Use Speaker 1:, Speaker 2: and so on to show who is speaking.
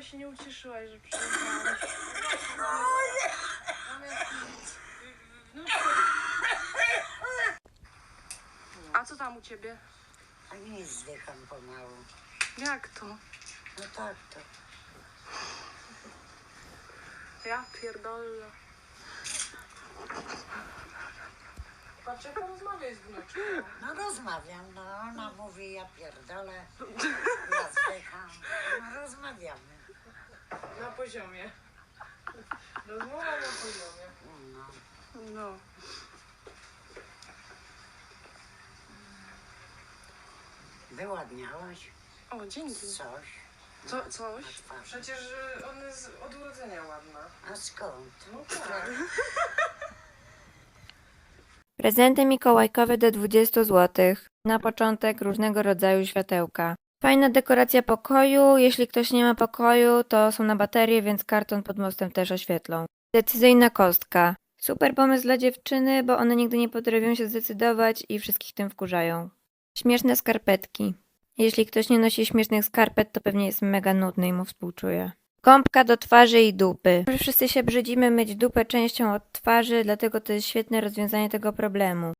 Speaker 1: wczoraj się nie ucieszyłaś, że przyjechałam. A co tam u ciebie?
Speaker 2: A nic, zdycham pomału.
Speaker 1: Jak to?
Speaker 2: No tak to.
Speaker 1: Ja pierdolę. Patrz, jak rozmawiaj z wnuczką.
Speaker 2: No rozmawiam, no ona mówi, ja pierdolę, ja zdycham. No rozmawiamy.
Speaker 1: Na poziomie. Rozmowa na poziomie.
Speaker 2: No.
Speaker 1: No.
Speaker 2: Wyładniałaś
Speaker 1: O, dzięki.
Speaker 2: coś
Speaker 1: Coś?
Speaker 2: na twarzy.
Speaker 1: Przecież on jest od urodzenia ładna.
Speaker 2: A skąd?
Speaker 1: No tak.
Speaker 3: Prezenty mikołajkowe do 20 zł. Na początek różnego rodzaju światełka. Fajna dekoracja pokoju. Jeśli ktoś nie ma pokoju, to są na baterie, więc karton pod mostem też oświetlą. Decyzyjna kostka. Super pomysł dla dziewczyny, bo one nigdy nie potrafią się zdecydować i wszystkich tym wkurzają. Śmieszne skarpetki. Jeśli ktoś nie nosi śmiesznych skarpet, to pewnie jest mega nudny i mu współczuję. Gąbka do twarzy i dupy. Wszyscy się brzydzimy myć dupę częścią od twarzy, dlatego to jest świetne rozwiązanie tego problemu.